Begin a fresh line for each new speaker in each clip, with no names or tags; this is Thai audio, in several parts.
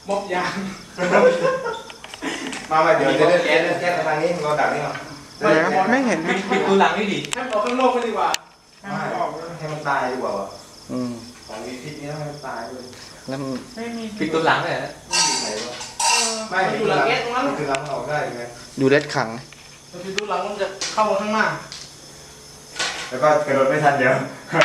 มบยาง
มาเดี๋ยวจะเล่นแก๊สทางนี้เราดักนี่มา
ไม่เห็น
ปิดตัวหลังนี่ดิ
ให้มันออกข้างนอกไปดีกว่าให้มันออก
ให้มันตายดีกว่าวะ
อืม
ของมีพิษนี้ให้มันตายเลย
แล้วมัน
ไม่มี
ปิดตัวหลังเลยนะ
ไหนวะ
ไม่อยู่หลังแก๊สตรงนั้น
คือล้างออกได้ไง
ดูเล็ดขัง
มันจะดูหลังมันจะเข้าข้างหน้า
แล้วก็กระโดดไม่ทันเดี๋ยว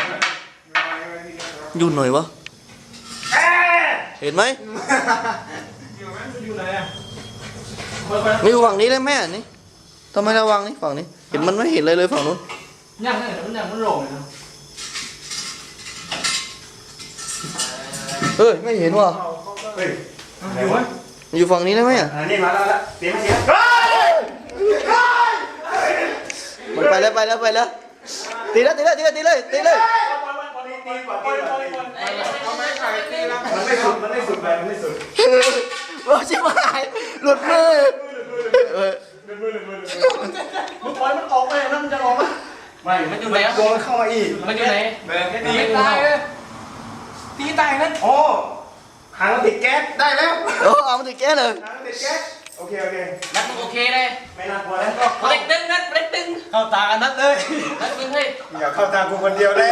อยู่หน่อยวะเห็นไหม
อยู่ไหมมันอยู่ไหนอ่ะ
ไม่อยู่ฝั่งนี้เลยแม่นี่ทำไมระวังนี่ฝั่งนี้ เห็นมันไม่เห็นเลยฝั่งนู้น
ย่างนั่นมันโล่งเลยนะ
เฮ้ยไม่เห็นว่ะ
เฮ้ย
อยู่ไหม
มันอยู่ฝั่งนี้ได้ไหมอ่ะ
อันนี้มาแล้วเตรียมมาเสีย
มันไปแล้วตีเลย
มันไม่สุด
ว่าชิบหายหลุดมือ
มึงปล่อยมันออกไปนั่นมันจะออกไหม
ไม่
มันอยู่ไหน
โดนเข้ามาอีก
มันอยู่ไหน
ตีตายเลยตีตายนั่น
โอ้หางติดแก๊สได้แล้ว
โอ้เอามาถึงแก้เลย
หางติดแก๊สโอเค
นัดมึงโอเคเลย
ไม่น่ากลัวแล้ว
เล็กตึงนัดเล็กตึง
เข้าตากันนัดเลย
นัดมึงเฮ้ย
อย่าเข้าตามกูคนเดียวเลย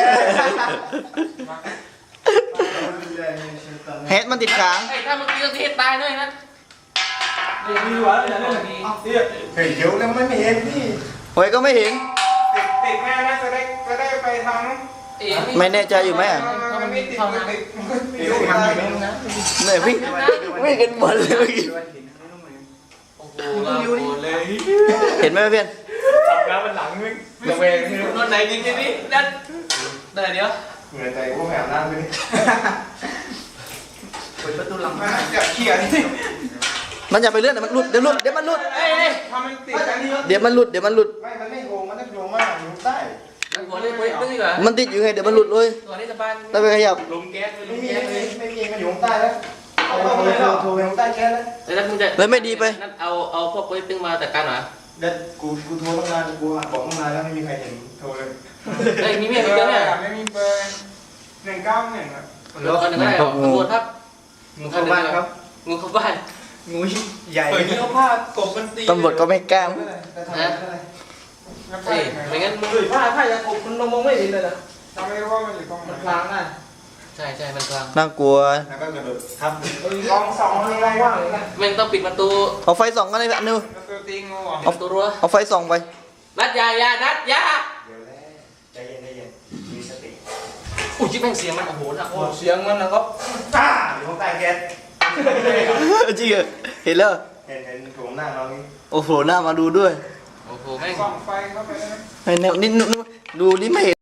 เฮดมันติดค้าง
ไอ้ถ้ามึงตีต้องตีให้ตายด้วยนัด
เดี๋ยวมีหัวแล้วอย่าเล่นแบบนี้เดี๋ยว
เฮ้ยเดี๋ยวแล้วไม่เห็นพี่
โอ้ยก็ไม่เห็น
ติดแม่นะจะได้ไปทาง
เอ๋
ไม่แน่ใจอยู่ไหมอ่ะ
มันไม่ติดมันติด
ไม่รู้ทำยังไงนะ
เนี่ยวิ่งกันหมดเลยเมื่อกี้
โอ้โหเลย
เห็นไหมเพื่อน
จับแล้วมันหลังมึงระเวง
นอนไหนจริงทีนี้นัดเดี๋ยว
เหนื่อยใจกูแหวน้ำไปนี่
เปิดประตูหลังมาจะเขี่ยนี่
มันอย่าไปเลื่อนเดี๋ยวมันหลุดเดี๋ยวมันหลุด
เอ้ย
ทำมันติดกันนี่
เดี๋ยวมันหลุด
ไม่มันไม่โกงมันได้โกงมากอยู่ใต้
หัวเลยเล็กตึงดีกว่า
มันติดอยู่ไงเดี๋ยวมันหลุดเลย
ตัวนี้สบาย
ต้องไปขยับ
ลมแก๊สล
ไม่
ม
มี
แก๊สเลย
มันอยู่ใต้แล้วเอาโทรไปใต้แก๊สแล้ว
แล้วนัดมึงจะ
เลยไม่ดีไป
นัดเอาพวกโปรตึงมาจัดการหน่อย
เด็ดกูโทรตั้งนานกูบอกตั้งนานแล้วไม่มีใครเห็นโทรเลย
เฮ้ยมีเมียมีเยอะเนี่ย
ไม่มีเบอร์191ครับ
รถคันหนึ่งก็ได้ตำรวจครับ
งูเข้าบ้านครับ
งูเข้าบ้าน
งูใหญ่
เปิดนี่เขาพาดกบมันตี
ตำรวจก็ไม่กล้า
เฮ้ยไม่งั้นมึง
เฮ้ยผ้าจะกบมันมองไม่เห็นเลยนะจำไม่ได้ว่ามันอยู่ตรงไหนมันพลางได้
ใช่มันกลาง
น่ากลัว
แล้วก็กระโดดทับ
ลองส่องอะไรว่างเลยนะ
แม่งต้องปิดประตู
เอาไฟส่องกันเลยอันนึง
แล้วตัวตีงูอ่ะ
ปิดประตูรั้ว
เอาไฟส่องไป
นัดยานัดยา
เดี๋ยวแล้วใจเย็นมีสติ
อุ้ยจิ๊บแม่งเสียงมันโอ้โหนะ
โอ้เสียงมันนะครับ
อยู่ใต้แก๊ส
จริงเหรอเห็นแล้ว
เห็นโถงหน้าเรานี่
โอ้โหหน้ามาดูด้วย
โอ้โหแม่ง
ส่องไฟเข้าไปได้ไหม
ไอ้แนวนี่ดูนี่ไม่เห็น